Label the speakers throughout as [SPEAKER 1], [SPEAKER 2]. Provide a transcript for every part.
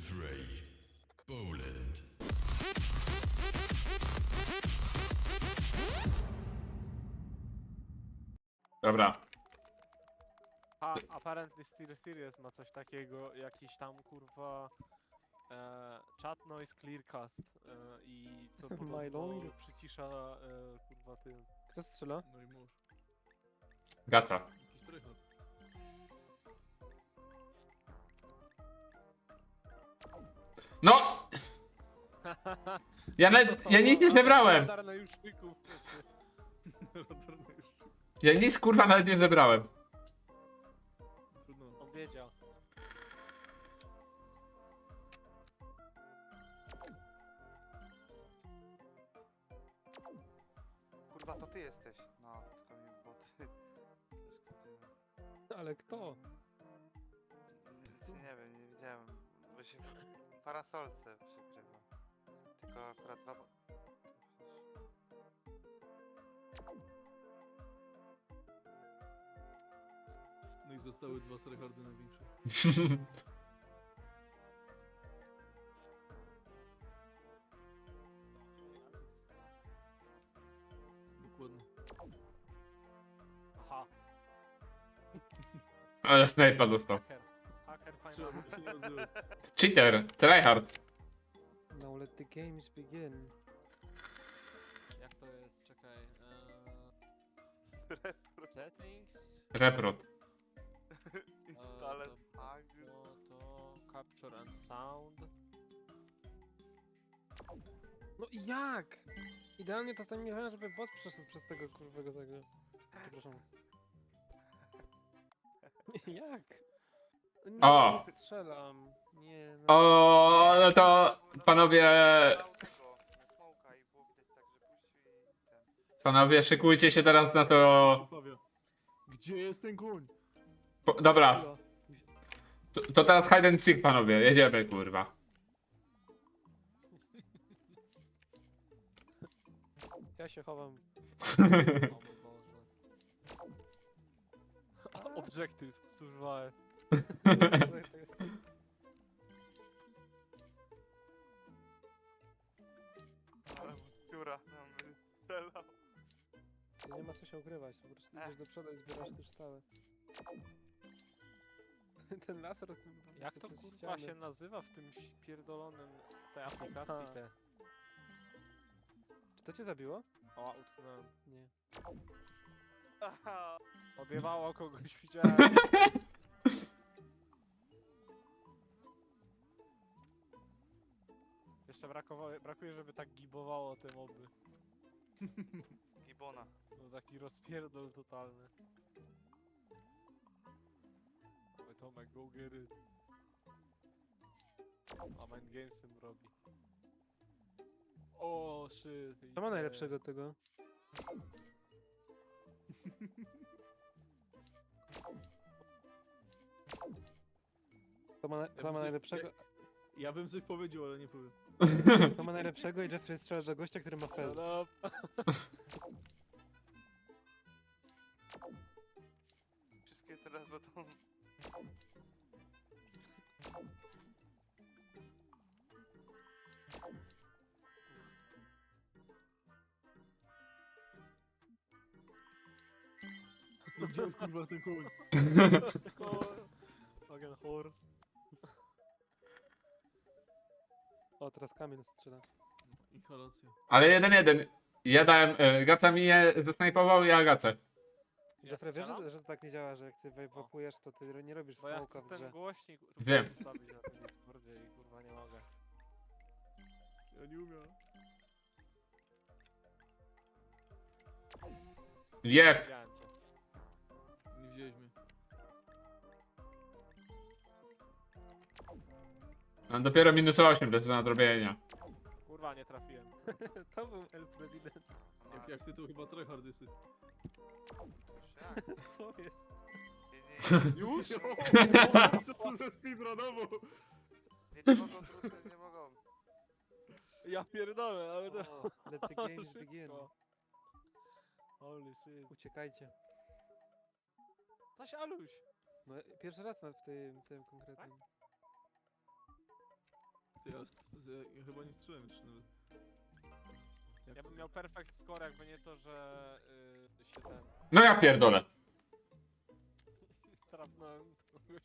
[SPEAKER 1] fray. Poland.
[SPEAKER 2] Dobra.
[SPEAKER 3] A apparently Still Serious ma coś takiego, jakiś tam kurwa chat noise clearcast i to podobno
[SPEAKER 4] Mylong?
[SPEAKER 3] przycisza kurwa tym.
[SPEAKER 4] Kto strzela?
[SPEAKER 5] No i mórz.
[SPEAKER 2] Gaca.
[SPEAKER 5] Jakiś trychot.
[SPEAKER 2] No! Ja nic nie zebrałem!
[SPEAKER 3] Radar na juszników.
[SPEAKER 5] Radarny już.
[SPEAKER 2] Ja nic kurwa nawet nie zebrałem.
[SPEAKER 5] Trudno.
[SPEAKER 3] On wiedział.
[SPEAKER 6] Kurwa, to ty jesteś. No, tylko nie boty.
[SPEAKER 4] Ale kto?
[SPEAKER 6] Nie wiem, nie widziałem. Bo się w parasolce przykrywa. Tylko akurat dwa...
[SPEAKER 5] No i zostały dwa tryhardy największe. Dokładnie.
[SPEAKER 3] Aha,
[SPEAKER 2] Ale snajpa dostał.
[SPEAKER 3] hacker. Hacker
[SPEAKER 5] Trzeba
[SPEAKER 3] fajny.
[SPEAKER 5] by się nie nazywać.
[SPEAKER 2] Cheater, tryhard.
[SPEAKER 4] Now let the games begin.
[SPEAKER 3] Jak to jest? Czekaj. Settings.
[SPEAKER 2] Reprot.
[SPEAKER 6] Installer
[SPEAKER 3] to
[SPEAKER 6] Ag...
[SPEAKER 3] to capture and sound.
[SPEAKER 4] No i jak? Idealnie to stanie, żeby bot przeszedł przez tego kurwego tego. Przepraszam. Jak? Nie,
[SPEAKER 2] O!
[SPEAKER 4] nie strzelam. Nie, no.
[SPEAKER 2] O, no to panowie,
[SPEAKER 6] Dał tego, smoka i było widać tak, że puścił i ten...
[SPEAKER 2] panowie szykujcie się teraz na to.
[SPEAKER 5] Pawia. Gdzie jest ten koń?
[SPEAKER 2] Dobra,
[SPEAKER 4] Elo.
[SPEAKER 2] to teraz hide and seek panowie, jedziemy kurwa.
[SPEAKER 4] Ja się chowam.
[SPEAKER 3] O mój Boże. Objective, survive.
[SPEAKER 6] Pióra nam strzelał.
[SPEAKER 4] To nie ma co się ukrywać, po prostu idziesz do przodu i zbierasz kryształy. Ten laser...
[SPEAKER 3] Jak to
[SPEAKER 4] przez
[SPEAKER 3] kurwa
[SPEAKER 4] ściany.
[SPEAKER 3] się nazywa w tym pierdolonym tej aplikacji
[SPEAKER 4] Aha.
[SPEAKER 3] te?
[SPEAKER 4] Czy to cię zabiło?
[SPEAKER 3] O, utknąłem.
[SPEAKER 4] Nie.
[SPEAKER 6] Aha,
[SPEAKER 3] Odjebało kogoś, widziałem. Jeszcze brakuje, żeby tak gibowało te moby.
[SPEAKER 6] Gibona.
[SPEAKER 3] No taki rozpierdol totalny. Oj Tomek, go get it. A Mind Games tym robi. O shit.
[SPEAKER 4] Co ma najlepszego tego? Kto ma najlepszego?
[SPEAKER 5] Ja bym coś powiedział, ale nie powiem.
[SPEAKER 4] Kto ma najlepszego i Jeffrey strzela do gościa, który ma fez.
[SPEAKER 3] No,
[SPEAKER 6] Wszystkie teraz będą...
[SPEAKER 5] No gdzie jest kurwa ten koń?
[SPEAKER 3] Fucking horse.
[SPEAKER 4] O, teraz Kamil strzela.
[SPEAKER 5] Inhalacja.
[SPEAKER 2] Ale 1-1. Ja dałem, Gaca mi je zasnajpował, ja Gacę.
[SPEAKER 4] Jeffrey, wiesz,
[SPEAKER 3] strzelam?
[SPEAKER 4] że to tak nie działa, że jak ty wapujesz, to ty nie robisz
[SPEAKER 3] Bo ja
[SPEAKER 4] smoka
[SPEAKER 3] chcę
[SPEAKER 4] w
[SPEAKER 3] ten
[SPEAKER 4] grze.
[SPEAKER 3] głośnik
[SPEAKER 2] Wiem.
[SPEAKER 3] ustawić na tym Discordzie i kurwa nie mogę.
[SPEAKER 5] Ja nie umiem.
[SPEAKER 2] Jeb.
[SPEAKER 3] Widziałem cię.
[SPEAKER 5] Nie wzięłeś mnie.
[SPEAKER 2] Mam dopiero minus 8 bez nadrobienia.
[SPEAKER 3] Kurwa nie trafiłem.
[SPEAKER 4] To był El President.
[SPEAKER 5] Jak ty to chyba tryhard jesteś.
[SPEAKER 6] Już jak?
[SPEAKER 4] Co jest?
[SPEAKER 6] Nie,
[SPEAKER 5] Już? Co tu za speedrunowo?
[SPEAKER 6] nie mogą, trudne nie mogą.
[SPEAKER 3] Ja pierdolę, ale to...
[SPEAKER 4] O, let the games
[SPEAKER 3] Szybko.
[SPEAKER 4] begin.
[SPEAKER 3] Holy shit.
[SPEAKER 4] Uciekajcie.
[SPEAKER 3] Zaś Aluś.
[SPEAKER 4] No, pierwszy raz nawet w tym konkretnym.
[SPEAKER 5] Ty, ja chyba nie strzelałem jeszcze nawet. Jak
[SPEAKER 3] Ja
[SPEAKER 5] to?
[SPEAKER 3] bym miał perfect score, jakby nie to, że się ten...
[SPEAKER 2] No ja pierdolę.
[SPEAKER 3] Trafnąłem kogoś.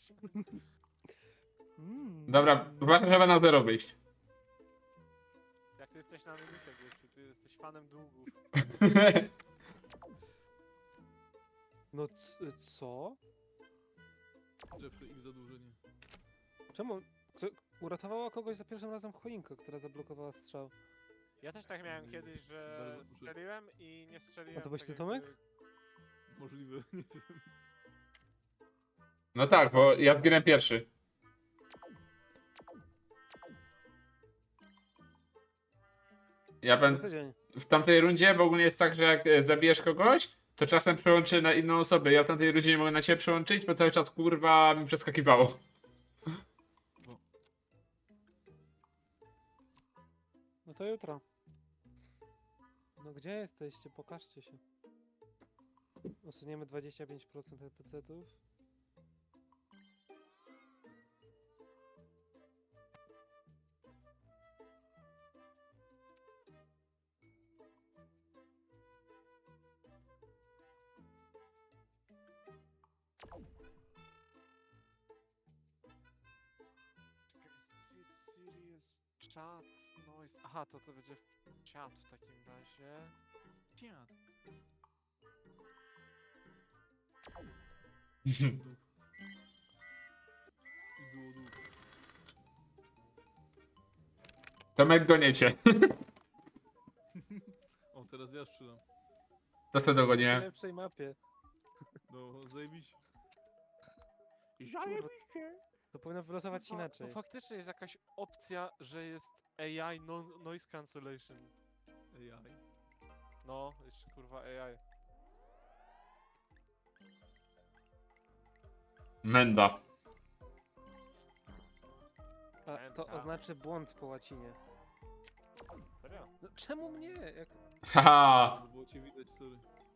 [SPEAKER 2] Dobra, uważaj, żeby na 0 wyjść.
[SPEAKER 3] Jak ty jesteś na minusie, gościu, ty jesteś fanem długów.
[SPEAKER 4] No co?
[SPEAKER 5] Jeffrey X zadłużenie.
[SPEAKER 4] Czemu? Uratowała kogoś za pierwszym razem choinka, która zablokowała strzał.
[SPEAKER 3] Ja też tak miałem kiedyś, że
[SPEAKER 5] Bardzo proszę.
[SPEAKER 3] strzeliłem i nie strzeliłem.
[SPEAKER 4] A to byłeś
[SPEAKER 3] tak
[SPEAKER 4] ty, Tomek?
[SPEAKER 3] jakby-
[SPEAKER 5] Możliwe, nie wiem.
[SPEAKER 2] No tak, bo ja zginę pierwszy. Ja
[SPEAKER 4] Na
[SPEAKER 2] będę
[SPEAKER 4] tydzień.
[SPEAKER 2] w tamtej rundzie, bo ogólnie jest tak, że jak zabijesz kogoś, to czasem przełączy na inną osobę. Ja w tamtej rundzie nie mogę na ciebie przełączyć, bo cały czas kurwa mi przeskakiwało.
[SPEAKER 4] No to jutro. No gdzie jesteście? Pokażcie się. Usuniemy 25% NPC-ów.
[SPEAKER 3] Serious chat noise. Aha, to będzie chat w takim razie.
[SPEAKER 5] Piat. I było dół.
[SPEAKER 2] Tomek goniecie.
[SPEAKER 5] O, teraz ja strzelam.
[SPEAKER 2] To sobie
[SPEAKER 4] W
[SPEAKER 2] dogonię.
[SPEAKER 4] lepszej mapie.
[SPEAKER 5] No, zajebiście.
[SPEAKER 4] To powinno wylosować
[SPEAKER 3] To
[SPEAKER 4] inaczej.
[SPEAKER 3] faktycznie jest jakaś opcja, że jest AI noise cancellation.
[SPEAKER 5] AI.
[SPEAKER 3] No, jeszcze kurwa AI.
[SPEAKER 2] Menda.
[SPEAKER 4] A to oznaczy błąd po łacinie.
[SPEAKER 3] Serio?
[SPEAKER 4] No czemu mnie? Jak...
[SPEAKER 2] Haha.
[SPEAKER 5] No, było cię widać, sorry.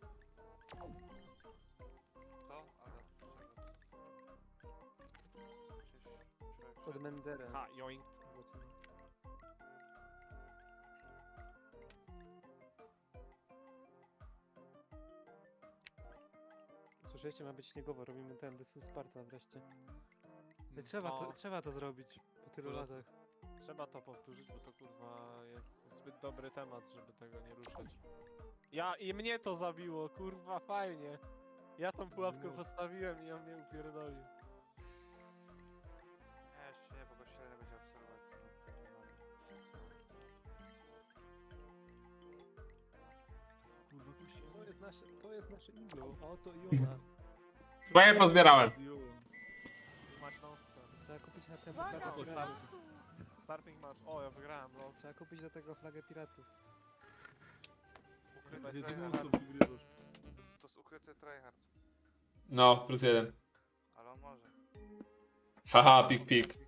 [SPEAKER 6] To? Ale... Przecież
[SPEAKER 4] Od Mendera.
[SPEAKER 3] Ha, joink.
[SPEAKER 4] Słyszeliście, ma być śniegowo, robimy ten This is Sparta wreszcie.
[SPEAKER 5] No.
[SPEAKER 4] Trzeba to zrobić po tylu
[SPEAKER 5] Dobra.
[SPEAKER 4] latach.
[SPEAKER 3] Trzeba to powtórzyć, bo to kurwa jest zbyt dobry temat, żeby tego nie ruszać. I mnie to zabiło, kurwa, fajnie. Ja tą pułapkę
[SPEAKER 5] No.
[SPEAKER 3] postawiłem i on mnie upierdolił.
[SPEAKER 6] Nie, jeszcze nie, bo go średnio będzie obserwować.
[SPEAKER 5] Kurwa, puści.
[SPEAKER 4] To jest nasze iglo. A oto i ona.
[SPEAKER 2] Twoje pozbierałem.
[SPEAKER 3] Mać non-stop.
[SPEAKER 4] Trzeba kupić na ten
[SPEAKER 3] Uwaga,
[SPEAKER 4] flagę piratów.
[SPEAKER 3] Starting match. O, ja wygrałem, no.
[SPEAKER 4] Trzeba kupić do tego flagę piratów.
[SPEAKER 6] Ukryte
[SPEAKER 5] Ty
[SPEAKER 6] tryhard.
[SPEAKER 5] non-stop wygrywasz.
[SPEAKER 6] To jest ukryty tryhard.
[SPEAKER 2] No, +1.
[SPEAKER 6] Ale on może.
[SPEAKER 2] Haha, pik pik.